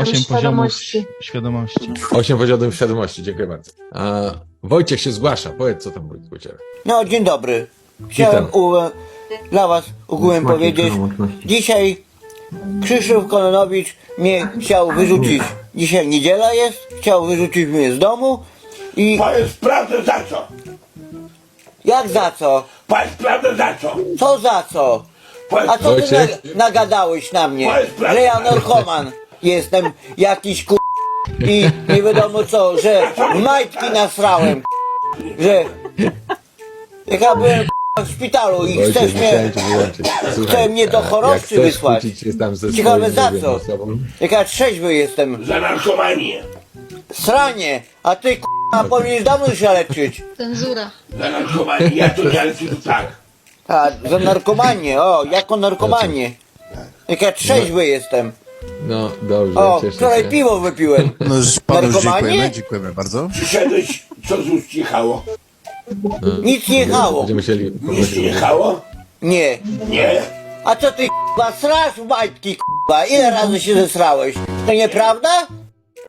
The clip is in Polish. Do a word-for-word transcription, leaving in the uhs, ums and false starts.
osiem poziomów świadomości. świadomości. Osiem poziomów świadomości, dziękuję bardzo. A Wojciech się zgłasza, powiedz co tam Wojtek u ciebie. No, dzień dobry. Chciałem Witam. u, dla was ogółem powiedzieć. Dzisiaj Krzysztof Kononowicz mnie chciał wyrzucić. Dzisiaj niedziela jest, chciał wyrzucić mnie z domu i Powiedz prawdę za co? jak za co? Powiedz prawdę za co? Co za co? Powiedz, A co ty Wojciech? na, nagadałeś na mnie? Powiedz prawdę. Że ja narkoman jestem jakiś ku... i nie wiadomo co, że w majtki nasrałem, że jak ja byłem w szpitalu i Wojciech, chcesz mnie, musiałem cię wyłączyć. Słuchaj, chce mnie do a choroby jak chcesz wysłać. kłócić się tam ze Ciekawe swoim, za nie wiem, co? osobą, Jak ja trzeźwy jestem, za narkomanię. sranie, a ty k***a powinieneś dawno się leczyć. Cenzura. Za narkomanię. Ja to ale to tak. A, za narkomanię, o, jako narkomanię. Jak ja trzeźwy jestem. No dobrze, O, cieszę wczoraj się. piwo wypiłem. No już panu już Narkomanie? dziękujemy, dziękujemy bardzo. Przyszedłeś, co z ust jechało? Nic nie jechało. Będziemy musieli Nic poprosić. nie jechało? Nie. Nie. A co ty k***a srasz w majtki k***a? Ile razy się zesrałeś? To nieprawda?